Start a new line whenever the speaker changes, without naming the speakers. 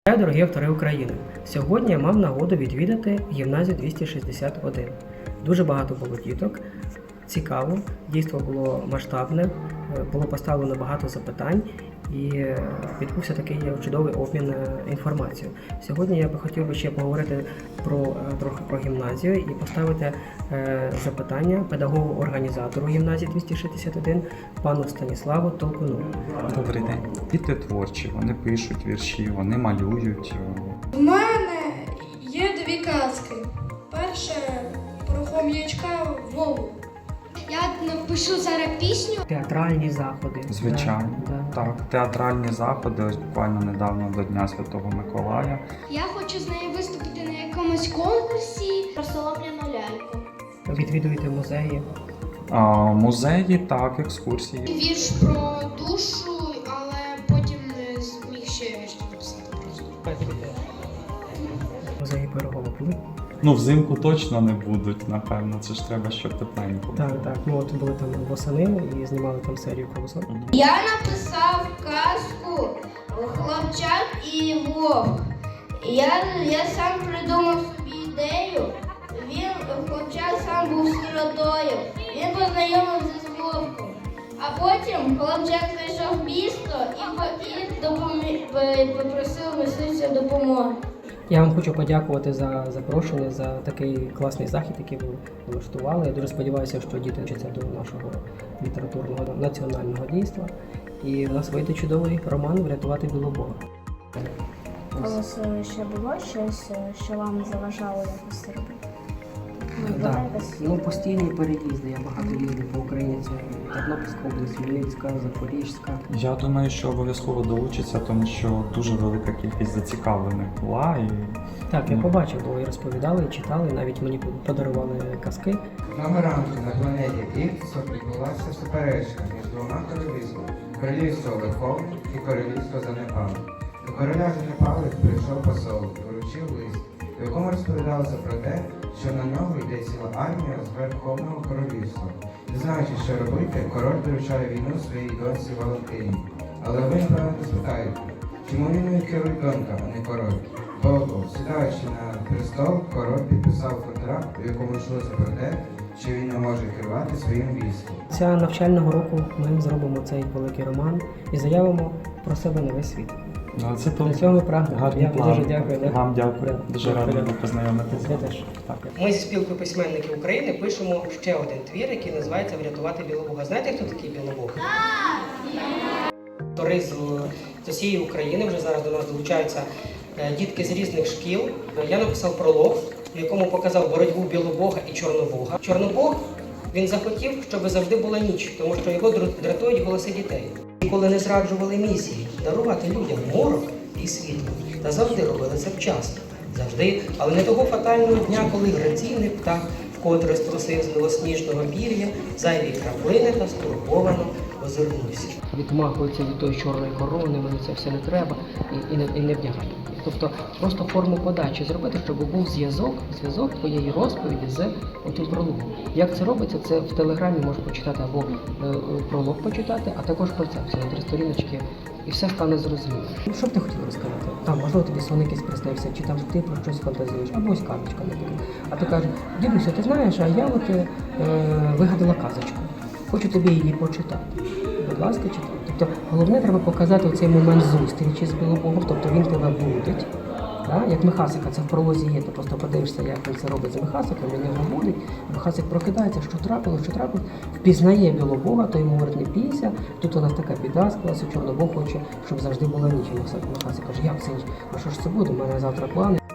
Дорогі автори України! Сьогодні я мав нагоду відвідати гімназію 261. Дуже багато було діток, цікаво, дійство було масштабне, було поставлено багато запитань і відбувся такий чудовий обмін інформацією. Сьогодні я би хотів ще поговорити трохи про гімназію і поставити запитання педагогу-організатору гімназії 261 пану Станіславу Толкуну.
Добрий день. Діти творчі, вони пишуть вірші, вони малюють.
У мене є дві казки. Перша про хом'ячка Вову.
Я напишу зараз пісню.
Театральні заходи.
Звичайно.
Да.
Так, театральні заходи, ось буквально недавно до Дня Святого Миколая.
Я хочу з нею виступити на якомусь конкурсі про солом'яну ляльку.
Відвідуєте музеї.
Музеї, так, екскурсії.
Вірш про душу, але потім не зміг ще вірш написати просто.
Музеї Пирогова були?
Ну, взимку точно не будуть, напевно, це ж треба, щоб тепленько було.
Так. Ми от були там восени і знімали там серію колосок.
Я написав казку «Хлопчак і вовк». Я сам придумав собі ідею. Хлопчак сам був сиротою. Він познайомився з вовком. А потім хлопчак зайшов в місто і попросив мисливця допомоги.
Я вам хочу подякувати за запрошення, за такий класний захід, який ви влаштували. Я дуже сподіваюся, що діти вчаться до нашого літературного національного дійства. І в нас вийде чудовий роман «Врятувати Білобога».
У вас ще було щось, що вам заважало якось робити?
Так, постійні переїзди. Я багато їздив по Україні. Це Тернопільська область, Хмельницька, Запорізька.
Я думаю, що обов'язково долучиться, тому що дуже велика кількість зацікавлених була.
Так, я побачив, бо і розповідали, і читали, навіть мені подарували казки.
Одного ранку на планеті Ікс відбулася суперечка між двома королівствами – королівство Верховне і королівство Занепалих. До короля Занепалих прийшов посол і вручив лист, в якому розповідалося про те, що на нього йде ціла армія з Верховного королівства. Не знаючи, що робити, король доручає війну своїй доньці Валентині. Але ви, напевно, спитаєте, чому війною керує донька, а не король? Бо, сідаючи на престол, король підписав контракт, у якому йшлося про те, що він не може керувати своїм військом.
Ця навчального року ми зробимо цей великий роман і заявимо про себе на весь світ.
Це
На цьому ми прагнемо.
гарний
Я
план.
дуже дякую.
Вам дякую. Дуже радий був познайомитися.
Я теж.
Так.
Ми зі спілкою письменників України пишемо ще один твір, який називається «Врятувати Білобога». Знаєте, хто такий Білобог? Автори з усієї України вже зараз до нас долучаються дітки з різних шкіл. Я написав пролог, в якому показав боротьбу Білобога і Чорнобога. Чорнобог, він захотів, щоб завжди була ніч, тому що його дратують голоси дітей. Ніколи не зраджували місії дарувати людям морок і світло. Та завжди робили це вчасно. Завжди, але не того фатального дня, коли граційний птах вкотре струсив з білосніжного пір'я зайві краплини та стурбовано озирнувся. Відмахуються від тої чорної корони, мені це все не треба і не вдягають. Тобто просто форму подачі зробити, щоб був зв'язок твоєї розповіді з отим прологом. Як це робиться, це в Телеграмі можеш почитати або пролог почитати, а також концепцію на 3 сторіночки, і все стане зрозуміло. Що б ти хотів розказати? Там, можливо, тобі сон якийсь приснився, чи там ти про щось фантазуєш, або ось казочка, наприклад. А ти кажеш, дідуся, ти знаєш, а я от вигадала казочку. Хочу тобі її почитати. Будь ласка, читай. Тобто головне треба показати цей момент зустрічі з Білобогом, тобто він тебе будить. Да? Як Михасика, це в пролозі є, ти просто подивишся, як він це робить з Михасиком, він його будить, Михасик прокидається, що трапилось, впізнає Білобога, то йому говорить, не бійся, тут у нас така біда склалася, Чорнобог хоче, щоб завжди була ніч. Михасик каже, як це ніч? А що ж це буде? У мене завтра плани.